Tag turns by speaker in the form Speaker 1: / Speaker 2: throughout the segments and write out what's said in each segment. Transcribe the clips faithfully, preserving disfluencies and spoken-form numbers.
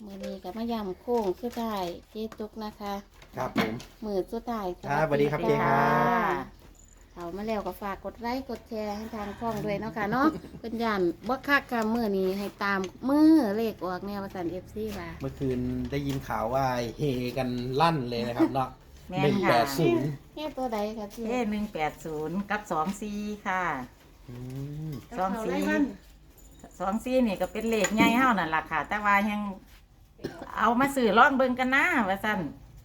Speaker 1: มือนี้กับมายำโค้งสุดท้ายเจ๊ตุกนะคะ
Speaker 2: ครับผม
Speaker 1: มือสุดท้าย
Speaker 2: ครับสวัสดีครับเจ๊ครับ
Speaker 1: เขามาแล้วก็ฝากกดไลค์กดแชร์ให้ทางช่องด้วยเนาะค่ะเนาะ เป็นยันบ่คักค่ะมือนี้ให้ตามมือเลขออกแนวประสันเอฟซีค่ะ
Speaker 2: เมื่อคืนได้ยินข่าวว่าเฮกันลั่นเลยนะครับเนาะ
Speaker 3: แม่
Speaker 2: หนึ่
Speaker 3: น
Speaker 2: ง
Speaker 3: ค่ะ
Speaker 2: แปดศูนย์
Speaker 1: เฮ้ตัวใดคะเจ๊
Speaker 3: เอ้หนึ่งแปดศูนย์กับสองสี่ค่ะ สองสี่ สองสี่นี่ก็เป็นเลขใหญ่เฮานั่นล่ะค่ะ แต่ว่ายังเอามาสื่อลองเบิ่งกันนะว่าซั่น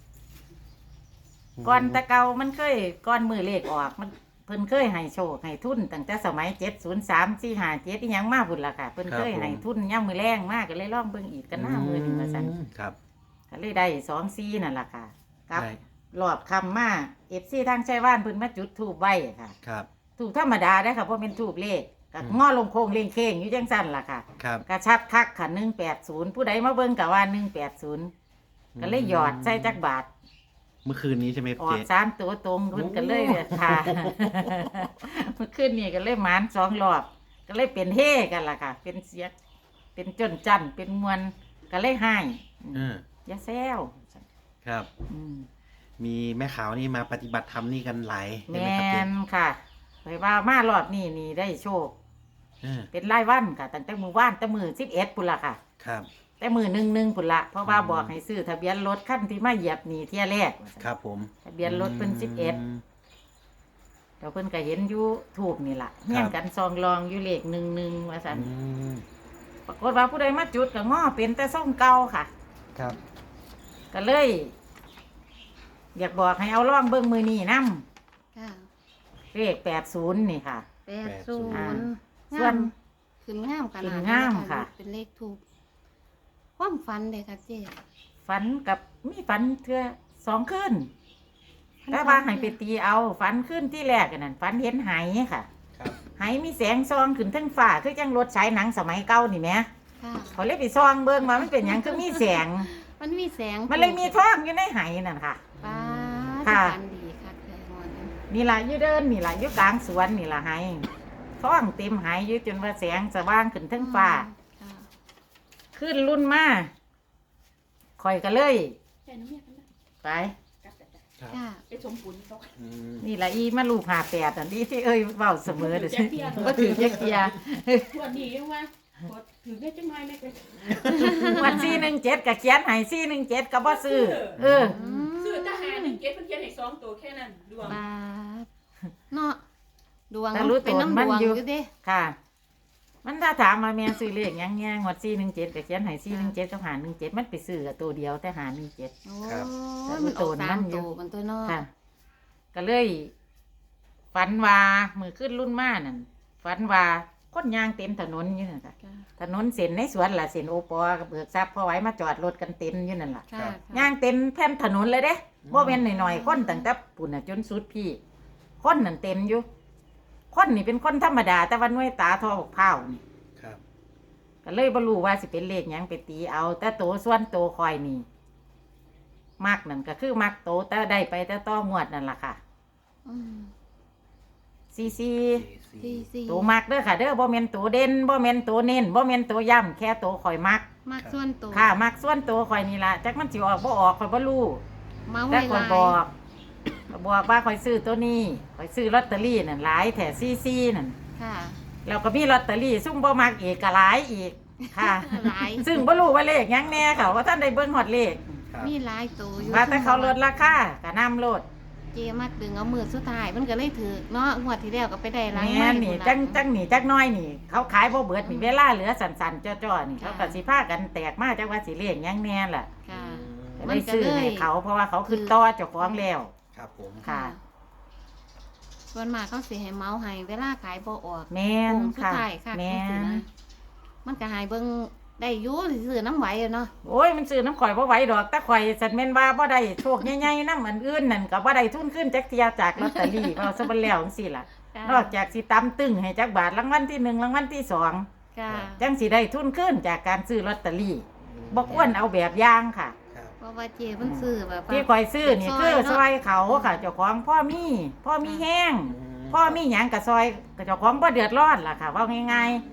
Speaker 3: ก่อนแต่เก่ามันเคยก่อนมือเลขออกมันเพิ่นเคยให้โชคให้ทุนตั้งแต่สมัยเจ็ดศูนย์สามสี่ห้าเจ็ดอีหยังมาพุ่นล่ะค่ะเพิ่นเคยให้ทุนย่ำมือแรงมากก็เลยลองเบิ่งอีกกันหน้ามือนี่ว่าซั่น
Speaker 2: ครับ
Speaker 3: ก็เลยได้สองสี่นั่นล่ะค่ะกับ
Speaker 2: ได้
Speaker 3: หลอดคำมาเอฟซีทางชัยว่านเพิ่นมาจุดธูปไว้ค่ะ
Speaker 2: ครับ
Speaker 3: ถูกธรรมดาได้อค่ะเพราะเป็นทูบเลขก็
Speaker 2: อืม
Speaker 3: ง้อลงโค้งเล่งเค้งอยู่จังสั้นล่ะค่ะ
Speaker 2: ครับ
Speaker 3: กระชับคักค่ะหนึ่งแปดศูนย์ผู้ใดมาเบิ่งกะว่าหนึ่งแปดศูนย์ก็เลยหยอดใส่จักบาท
Speaker 2: เมื่อคืนนี้ใช่ไหม
Speaker 3: ออ
Speaker 2: เจ๊
Speaker 3: กสามตัวตรงเพิ่นก็เลยค่ะ เมื่อคืนนี้ก็เลยหมานสองรอบ ก็เลยเป็นเฮกันล่ะค่ะ เป็นเสียงเป็นจนจันเป็นมวลก็เลยให้
Speaker 2: เออ
Speaker 3: อย่าแซว
Speaker 2: ครับ
Speaker 3: อืม
Speaker 2: มีแม่ขาวนี่มาปฏิบัติธรรมนี่กันหลาย
Speaker 3: แม
Speaker 2: ใช่ไหมครับเจ๊
Speaker 3: นค่ะไปว่ามารอบนี้นี่ได้โชค
Speaker 2: เออ
Speaker 3: เป็นรายวันค่ะตั้งแต่มือว่านแต่มือสิบเอ็ดปุ่นละค่ะ
Speaker 2: ครับ
Speaker 3: แต่มือหนึ่งหนึ่งปุ่นละเพราะว่า
Speaker 2: อืม
Speaker 3: บอกให้ซื้อทะเบียนรถขั้นที่มาเหยียบหนีเที่ยแรกว่าซั่น
Speaker 2: ครับผม
Speaker 3: ทะเบียนรถเพิ่นสิบเอ็ด
Speaker 2: ม
Speaker 3: เดี๋ยวเพิ่นก็เห็นอยู่ถูกนี่ล่ะเงี้ยงกันซองรองอยู่เลขหนึ่งหนึ่งว่าสัน
Speaker 2: อืม
Speaker 3: ปรากฏว่าผู้ใดมาจุดก็ง้อเป็นแต่ส่งเก่าค่ะ
Speaker 2: ครับ
Speaker 3: ก็เลย อยากบอกให้เอาล่องเบิ้งมือนี่นํ
Speaker 1: ค่ะ
Speaker 3: เลขแปดศูนย์นี่ค่ะ
Speaker 1: แปดศู
Speaker 3: อ่า
Speaker 1: นย์
Speaker 3: ส่วน
Speaker 1: ขึ้นงามขนาด
Speaker 3: ขึ้นงามค่ะ
Speaker 1: เป็นเลขถูกความฝันเลยค่ะเจ๊
Speaker 3: ฝันกับมีฝันเทื่อสองคืนแต่ว่าให้ไปตีเอาฝันขึ้นที่แรกอันนั่นฝันเห็นไหค่ะ
Speaker 2: ครับ
Speaker 3: ไหมีแสงซองขึ้นทั้งฟ้าคือจังรถฉายหนังสมัยเก่านี่แหม
Speaker 1: ค่ะ
Speaker 3: เขาเลยไปซองเบิ่งว่ามันเป็นหยังคือมีแสง
Speaker 1: มันมีแสง
Speaker 3: มันเลยมีท้องอยู่ในไหนั่นค่ะ
Speaker 1: ป้า
Speaker 3: ค่ะ
Speaker 1: ฝันดีค่ะแค่หมดนั้น
Speaker 3: นี่ล่ะอยู่เดินนี่ล่ะอยู่กลางสวนนี่ล่ะไหท้องเต็มไหอยู่จนว่าแสงสว่างขึ้นทั้งฟ้า
Speaker 1: ค่ะ
Speaker 3: ขึ้นรุ่นมาข่อยก็เลย
Speaker 4: แต่น้ำเมียกันนะ
Speaker 3: ไป
Speaker 4: กัดแต่แต่
Speaker 2: ครับ
Speaker 1: ค่ะ
Speaker 4: ไปชมปุ่นเขา
Speaker 2: อืม
Speaker 3: นี่ล่ะอีมาลูกหาแปดอันนี้ที่เอ้ยเว้าเสมอเด้อ
Speaker 4: แจ็คเทีย
Speaker 3: บ่ถือจักเทีย
Speaker 4: วันนี้ยังว่าพอถือได้จังไงไม่เป็น
Speaker 3: วันสี่หนึ่งเจ็ดก็เขียนให้สี่หนึ่งเจ็ดก็บ่ซื้อเออ
Speaker 1: อืม
Speaker 4: ซื้อทหารหนึ่งเก็ตเพิ่นเขียนให้สองตัวแค่นั้นดวง
Speaker 1: บาดเนาะดวง
Speaker 3: แต่รู้
Speaker 1: เป็นน้ำ
Speaker 3: ตัว
Speaker 1: ด
Speaker 3: มัน
Speaker 1: วง
Speaker 3: อยู่
Speaker 1: อยู่เด้
Speaker 3: ค่ะ มันถ้าถามมาแม่ซื้อเลขหยังแง่งวดสี่หนึ่งเจ็ดก็เขียนให้สี่หนึ่งเจ็ดกับหาหนึ่งเจ็ดมันไปซื้อกับตัวเดียวแต่หาหนึ่งเจ็ด
Speaker 1: โอ้
Speaker 2: ครับ
Speaker 1: ยมันออก
Speaker 3: แต่
Speaker 1: สาม
Speaker 3: รู้ตัวมันอยู่
Speaker 1: ตัวมันตัวเนาะ
Speaker 3: ค่ะ ก็เลยฝันว่ามือขึ้นรุ่นมานั่นฝันว่าคนยางเต็มถนนอยู่นั่นค่ะ
Speaker 1: ค่ะ
Speaker 3: ถนนเส้นในสวนล่ะเส้นโอปอกับเบิกทรัพย์พอไว้มาจอดรถกันเต็มอยู่นั่นล่ะ
Speaker 1: ค่ะ
Speaker 3: ย่างเต็มแผ่นถนนเลยเด้บ่แม่นหน่อยๆคนตั้งแต่ปุ่นน่ะจนสุดพี่ คนนั่นเต็มอยู่ คนนี่เป็นคนธรรมดา แต่ว่าหน่วยตาทอบอกเผานี่
Speaker 2: ครับ
Speaker 3: ก็เลยบ่รู้ว่าสิเป็นเลขหยังไปตีเอา แต่โตส่วนโตคอยนี่มักนั่นก็คือมักโตแต่ได้ไปแต่ต้องงวดนั่นล่ะค่ะ
Speaker 1: อืม
Speaker 3: ซีซี
Speaker 1: สี่สี่
Speaker 3: โตมักเด้อค่ะ เด้อบ่แม่นโตเด่นบ่แม่นโตเน้นบ่แม่นโตย่ำแค่โตคอยมัก
Speaker 1: มากส่วนตัว
Speaker 3: ค่ะ มักส่วนโตคอยนี่ล่ะจักมันสิออกบ่ออกคอยบ่รู้
Speaker 1: เมา
Speaker 3: แต่
Speaker 1: ให้
Speaker 3: ค
Speaker 1: ห
Speaker 3: อย
Speaker 1: ลาย
Speaker 3: บอกก็บอกว่าคอยซื้อตัวนี้คอยซื้อลอตเตอรี่นั่นหลายแถซีซีนั่น
Speaker 1: ค่ะ
Speaker 3: แล้วก็มีลอตเตอรี่ซุ่มบ่มักอีกก็หลายอีกค่ะ
Speaker 1: หลาย
Speaker 3: ซึ่งบ่รู้ว่าเลขหยังแน่ค่ะว่าท่านได้เบิ่งฮอดเลข
Speaker 2: ครับ
Speaker 1: มีหลายตัวอยู่
Speaker 3: ว่าแต่เขาลดราคาก็นำโลด
Speaker 1: เจมักดึงเอามือสุดท้ายมันก็เลยถือเนาะงวดที่แล้วก็ไปได้หล้าง
Speaker 3: แม่นนี่จังจังนี่จักหน้อยนี่ เขาขายบ่เบิดนี่เวลาเหลือสั่นๆจ้อๆนี่เขาก็สิพากันแตกมาจักว่าสิเลขหยังแน่ล่ะ
Speaker 1: ค่ะ
Speaker 3: ก็
Speaker 1: มั
Speaker 3: ได้
Speaker 1: นก็
Speaker 3: ซื้อ
Speaker 1: เลย
Speaker 3: ให้เขาเพราะว่าเขาขึ้นต่อเจ้าของแล้ว
Speaker 2: ครับผม
Speaker 3: ค่ะ
Speaker 1: ส่วนมากเขาสิให้เมาให้เวลาขายบ่ออก
Speaker 3: แม่น
Speaker 1: โค้งสุด
Speaker 3: ค่ะ
Speaker 1: ท้ายค่ะ
Speaker 3: แม่
Speaker 1: จังซี่
Speaker 3: น
Speaker 1: นะมันก็ใหายเบิ่งได้อยู่ซื้อน้ำไหวอะเนาะ
Speaker 3: โอ้ยมันซื้อน้ำข่อยบ่ไหวดอกแต่ข่อยสันแม่นว่าบ่ได้โชคใหญ่ๆนำอันอื่นนั่นก็บ่ได้ทุนขึ้นจักเที่ยจากลอตเตอรี่ เอาซะเบ่แล้วจังซี่ล่ะ
Speaker 1: ค่ะ
Speaker 3: นอกจากสิตำตึงให้จักบาทรางวัลที่หนึ่งรางวัลที่สอง
Speaker 1: ค่ะ
Speaker 3: จังสิได้ทุนขึ้นจากการซื้อลอตเตอรี่บ่ควรเอาแบบอย่างค่ะ
Speaker 2: ครับ
Speaker 1: เพราะว่าเจเพิ่นซื้อแบบว่า
Speaker 3: ที่ข่อยซื้อนี่คือซอยเขาค่ะ เจ้าของพ่อมีพ่อมีแห้ง
Speaker 2: ม
Speaker 3: พ่อมีหยังก็ซอยก็เจ้าของบ่เดือดร้อนล่ะค่ะว่าง่าย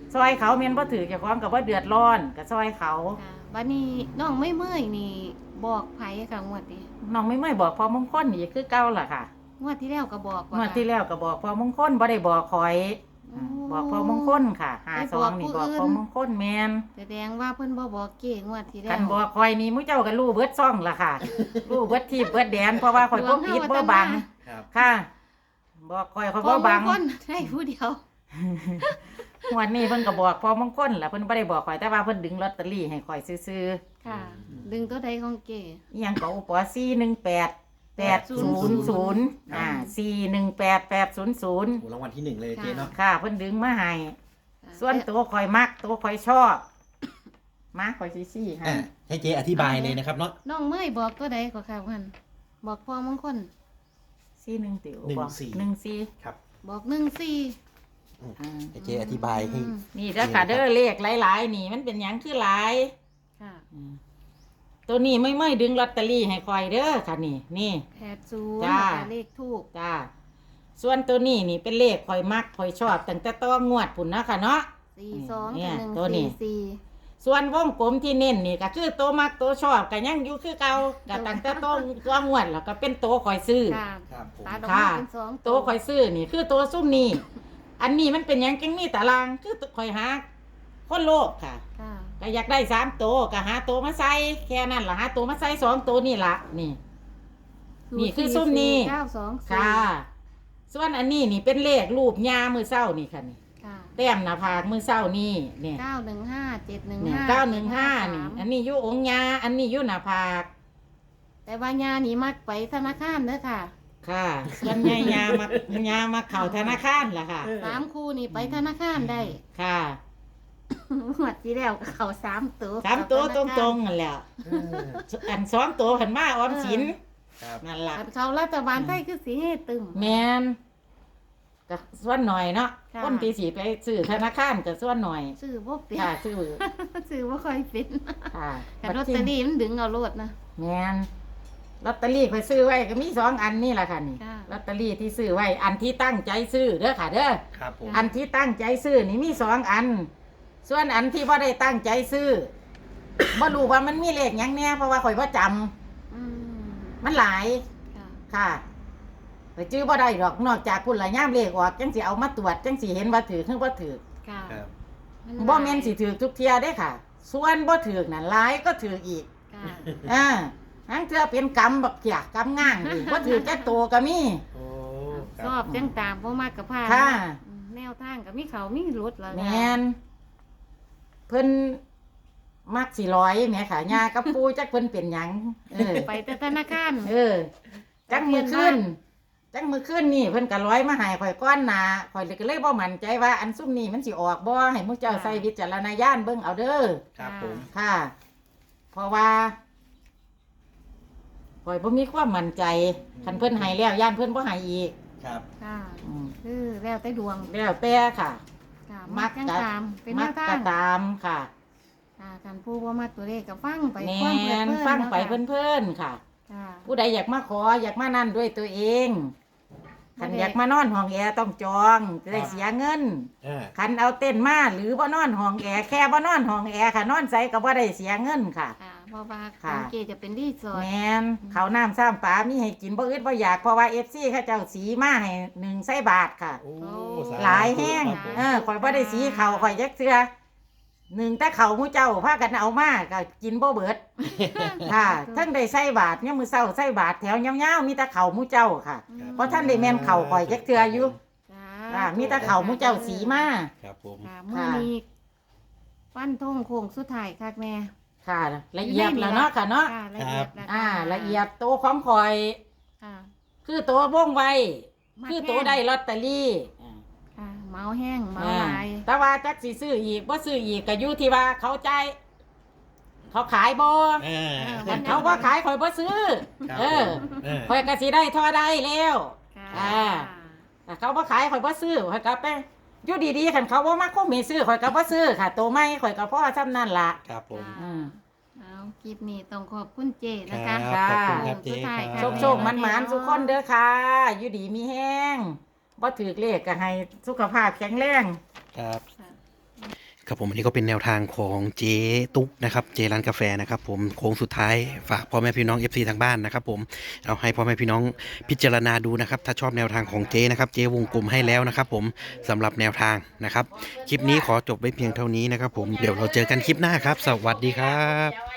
Speaker 3: ซอยเขาแม่นบ่ถือเจ้าของก็บ่เดือดร้อนก็ซอยเขา
Speaker 1: ค่ะวันนี้น้องไม่เมื่อยนี่บอกไผค่ะงวดนี้
Speaker 3: น้องไม่ไม่บอกพอมงคลนี่คือเก่าล่ะค่ะ
Speaker 1: งวดที่แล้วก็บอก
Speaker 3: งวดที่แล้วก็บอกพอมงคลบ่ได้บอกข่อยอ่าบอกพอมงคลค่ะห้าสองนี่บอกพอมงคลแม่น
Speaker 1: แสดงว่าเพิ่นบ่บอกเก๋งวดที่แล้
Speaker 3: คั
Speaker 1: วน
Speaker 3: บอกข่อยนี่มื้อเจ้าก็รู้เบิดซ่องล่ะค่ะ รู้เบิดที่เบิดแดนเพราะว่าข่อยบ่ปิดบ่บัง
Speaker 2: ครับ
Speaker 3: ค่ะ บอกข่อยข่อย
Speaker 1: พอ
Speaker 3: บ่บัง
Speaker 1: คนได้ผู้เดียว
Speaker 3: งวดนี้เพิ่นก็บอกพอมงคลล่ะเพิ่นบ่ได้บอกข่อยแต่ว่าเพิ่นดึงลอตเตอรี่ให้ข่อยซื่อ
Speaker 1: ค่ะ ดึงตัวใดของเก๋
Speaker 3: ๆอีหยังก็อุปสี่หนึ่งแปด แปดศูนย์ศูนย์อ่าสี่หนึ่งแปด แปดศูนย์ศูนย์
Speaker 2: โอ้รางวัลที่หนึ่งเลยเจ๊เนาะ
Speaker 3: ค่ะเพิ่นดึงมาให้ส่วนตัวข่อยมักตัวข่อยชอบมาข่อยสิซี่ให้
Speaker 2: อ่ะให้เจ๊อธิบายเลยนะครับเนาะ
Speaker 1: น้องเมื่อยบอกตัวใดก็ค่ะเพิ่นบอกพอมงคล
Speaker 3: ซี่หนึ่งติ๋ว
Speaker 2: หนึ่ง
Speaker 3: บอก
Speaker 2: สี่
Speaker 3: หนึ่งสี่
Speaker 2: ครับ
Speaker 1: บอกหนึ่งสี่
Speaker 3: อ่า
Speaker 2: ให้เจ๊อธิบายให้
Speaker 1: อืม
Speaker 3: นี่เด้อค่ะเด้อเลขหลายๆนี่มันเป็นหยังคือหลาย
Speaker 1: ค่ะ
Speaker 3: อืมตัวนี้ไม่ไม่ดึงลอตเตอรี่ให้ข่อยเด้อค่ะนี่นี่
Speaker 1: แปดศูนย์
Speaker 3: จ้า
Speaker 1: เลขทูก
Speaker 3: จ้าส่วนตัวนี้นี่เป็นเลขข่อยมักข่อยชอบตั้งแต่ต้องงวดพุ่นนะค่ะเนาะ
Speaker 1: สี่สอง
Speaker 3: เนี่
Speaker 1: กับ
Speaker 3: ย
Speaker 1: หนึ่ง
Speaker 3: ตัวนี้
Speaker 1: สี่สี่
Speaker 3: ส่วนวงกลมที่เน้นนี่ก็คือตัวมักตัวชอบก็ยังอยู่คือเก่าก็ตั้งแต่ต้องตัวงวดแล้วก็เป็นตัวข่อยซื้อ
Speaker 1: ค่ะ
Speaker 2: ครับผม
Speaker 1: ตาดอก
Speaker 3: ค่ะ
Speaker 1: ไม้เป็นสอง
Speaker 3: ตัวข่อยซื้อนี่คือตัวซุ่มนี่อันนี้มันเป็นหยังจังมีตารางคือตัวข่อยหาคนโลภค่ะ
Speaker 1: ค่ะ
Speaker 3: ก็อยากได้สามตัวก็หาตัวมาใส่แค่นั้นล่ะหาตัวมาใส่สองตัวนี่ล่ะนี่ นี่คือซุ่มนี่
Speaker 1: เก้าสองสี่
Speaker 3: ค่ะ ส่วนอันนี้นี่เป็นเลขรูปยามือเศร้านี่ค่ะนี่
Speaker 1: ค่ะ
Speaker 3: แต้มหน้าผากมือเศร้านี่เนี่ย
Speaker 1: เก้าหนึ่งห้าเจ็ดหนึ่ง
Speaker 3: เนี่ย
Speaker 1: ห้า
Speaker 3: เก้าหนึ่งห้านี่อันนี้อยู่องค์ยาอันนี้อยู่หน้าผาก
Speaker 1: แต่ว่ายานี่มักไปธนาคารเด้อค่ะ
Speaker 3: ค่ะส่วนใหญ่ยามา ยามาเข่าธนาคารล่ะค่ะ
Speaker 1: สามคู่นี่ไปธนาคารได้
Speaker 3: ค่ะ
Speaker 1: หมดที่แล้วก็เขาสามตัว
Speaker 3: สามตัวตรงๆนั่นแหละ
Speaker 2: เออ
Speaker 3: อันสองตัวหันมาออมสิน
Speaker 2: ครับ
Speaker 3: นั่นล่ะ
Speaker 1: ๆเขารัฐบาลไทยคือสีให้ตึม
Speaker 3: แมนก็ส่วนหน่อยเนาะ
Speaker 1: ค่ะ
Speaker 3: คนที่สีไปซื้อธนาคารก็ส่วนหน่อย
Speaker 1: ซื้อบ่เปลี่ย
Speaker 3: ค่ะ
Speaker 1: น
Speaker 3: ซื้อ
Speaker 1: ซื้อบ่ค่อยเป็น
Speaker 3: ค่ะ
Speaker 1: แต่ลอตเตอรี่มันดึงเอาโลดนะ
Speaker 3: แมนลอตเตอรี่ไปซื้อไว้ก็มีสองอันนี่แหละค่ะนี่
Speaker 1: ค่ะ
Speaker 3: ลอตเตอรี่ที่ซื้อไว้ อันที่ตั้งใจซื้อเด้อค่ะเด้อ
Speaker 2: ครับผม
Speaker 3: อันที่ตั้งใจซื้อนี่มีสองอัน ส่วนอันที่ว่าได้ตั้งใจซื้อ บ่รู้ว่ามันมีเลขหยังแน่เพราะว่าข่อยบ่จำ
Speaker 1: อืม
Speaker 3: มันหลาย
Speaker 1: ค่ะ
Speaker 3: ค่ะไปจื้อบ่ได้ดอกนอกจากพุ่นละย่ามเลขออกจังสิเอามาตรวจจังสิเห็นว่าถือคือบ่ถือ
Speaker 1: ค่ะ
Speaker 2: ครับ
Speaker 1: น
Speaker 3: บ่แม่นสิถือทุกเที่ยได้ค่ะ ส่วนบ่ถือนั่นหลายก็ถืออีก
Speaker 1: ค่ะ
Speaker 3: อ่าทั้งเทื่อเป็นกรรมบักเกียกกรรมง่างอีกบ่ถือแค่โตก็มี
Speaker 2: โอ้ค
Speaker 1: ช
Speaker 2: รั
Speaker 1: อบจังตามบ่มากกับพาน
Speaker 3: ค่ะ
Speaker 1: อืมแนวทางก็มีเขามีรถแล้ว
Speaker 3: แม่นเพิ่นมักสิร้อยแหม่ค่ะย่ากับปู่จักเพิ่นเป็นหยังเออ
Speaker 1: ไปแต่ธนาคาร
Speaker 3: เออ จังมือขึ้น จังมือขึ้นนี่เพิ่นก็ร้อยมาให้ข่อยก้อนหนาข่อยเลยก็เลยบ่มั่นใจว่าอันซุ่มนี้มันสิออกบ่ให้มุเจ้าใส่วิจารณญาณเบิ่งเอาเด้อ
Speaker 2: ครับผม
Speaker 3: ค่ะ เพราะว่าข่อยบ่มีความมั่นใจคันเพิ่นให้แล้วย่านเพิ่นบ่ให้อีก
Speaker 2: ครับ
Speaker 1: ค่ะ
Speaker 3: อืม
Speaker 1: คือแล้วแต่ดวง
Speaker 3: แล้วแต่ค่ะ
Speaker 1: ค่ะ
Speaker 3: มั
Speaker 1: มั
Speaker 3: ก
Speaker 1: กจัง
Speaker 3: จะ
Speaker 1: ตามเป็นแน
Speaker 3: มัก
Speaker 1: วทา
Speaker 3: ก็
Speaker 1: ง
Speaker 3: ตามค่ะ
Speaker 1: ค่ะการผู้ว่ามาตัวเลขก็ฟังไป
Speaker 3: แม
Speaker 1: ความเพลิ
Speaker 3: น
Speaker 1: ดเพลิน
Speaker 3: ฟังไป
Speaker 1: นาะค่ะ
Speaker 3: เพิ่นๆค่ะ
Speaker 1: ค่ะ
Speaker 3: ผู้ใดอยากมาขออยากมานั่นด้วยตัวเองคัน
Speaker 1: บ่ได้
Speaker 3: อยากมานอนห้องแอร์ต้องจองจะได้เสียเงิน
Speaker 2: อ่า
Speaker 3: คันเอาเต้นมาหรือบ่นอนห้องแอร์แค่บ่นอนห้องแอร์ค่ะนอนใส่ก็บ่ได้เสียเงินค่ะ
Speaker 1: ค่ะเพราะว่า
Speaker 3: ค่ะ
Speaker 1: สังเกตจะเป็นรีสอร์
Speaker 3: แม
Speaker 1: ท
Speaker 3: นเขาวน้ำซ้ำปลามีให้กินบ่อึดบ่อยากเพราะว่า เอฟ ซี เขาเจ้าสีมาให้หนึ่งไส้บาทค่ะ
Speaker 2: โอ้สธุ
Speaker 3: หลายแห้ง
Speaker 2: ครับผม
Speaker 3: เออข่อยบ่ได้สีเขาวข่อยจักเทื่อหนึ่งแต่เขาวหมู่เจ้าพากันเอามาก็กินบ่เบิด ค่ะทั้งได้ไส้บาทเนี่ยามมื้อเช้าไส้บาทแถวยาวๆมีแต่เขาวหมู่เจ้าค่ะ
Speaker 1: อืม
Speaker 3: เพราะท่านได้แม่นเขาวข่อยจักเทื่ออยู่
Speaker 1: จ้า
Speaker 3: อ่ามีแต่เขาวหมู่เจ้าสีมา
Speaker 2: ครับผม
Speaker 1: ค่ะเมื่อนี้ปั้นทงโค้งสุดท้ายคักแม่
Speaker 3: ค่ะ ละเอียดแล้วเนาะค่ะเนาะ
Speaker 1: ค่ะละเอียดแล้ว
Speaker 3: อ่า
Speaker 1: ค่
Speaker 3: ละเอียดตัวของข่อย
Speaker 1: ค่ะ
Speaker 3: คือตัวว่องไว
Speaker 1: มัก
Speaker 3: คือ
Speaker 1: แห้ง
Speaker 3: ตัวได้ลอตเตอรี่
Speaker 1: ค่ะเมาแห้งเมา
Speaker 3: อ่า
Speaker 1: หลาย
Speaker 3: แต่ว่าจักสิซื้ออีกบ่ซื้ออีกก็อยู่ที่ว่าเขาใจายเขาขายบ่
Speaker 2: อ่า
Speaker 3: คันเขาว่าขายข่อยบ่ซื้อ
Speaker 2: ครับ
Speaker 3: เออ
Speaker 2: ผมเออ
Speaker 3: ข่อยก็สิได้เท่าได้แล้ว
Speaker 1: ค่ะ
Speaker 3: อ่า แต่เขาบ่ขายข่อยบ่ซื้อข่อยก็ไปอยู่ดีๆคันเขาบ่มาคงมีซื้อข่อยก็บ่ซื้อค่ะตัวใหม่ข่อยก็พอซ้ำนั่นล่ะ
Speaker 2: ครับผม
Speaker 3: อืม
Speaker 1: เอาคลิปนี้ต้องขอบคุณเจนะคะ
Speaker 2: ครับขอบคุณครับเจ๊
Speaker 1: สุดท้าย
Speaker 2: ค
Speaker 1: ค่ะ
Speaker 2: รับ
Speaker 3: โชคๆมันๆทุกคนเด้อค่ะ อยู่ดีมีแห้งบ่ถือเลขก็ให้สุขภาพแข็งแรง
Speaker 2: ครับ
Speaker 1: ค่ะ
Speaker 2: ครับผมอันนี้ก็เป็นแนวทางของเจ๊ตุ๊กนะครับเจร้านกาแฟนะครับผมโค้งสุดท้ายฝากพ่อแม่พี่น้อง เอฟ ซี ทางบ้านนะครับผมเอาให้พ่อแม่พี่น้องพิจารณาดูนะครับถ้าชอบแนวทางของเจ๊นะครับเจ๊วงกลมให้แล้วนะครับผมสำหรับแนวทางนะครับคลิปนี้ขอจบไว้เพียงเท่านี้นะครับผมเดี๋ยวเราเจอกันคลิปหน้าครับสวัสดีครับ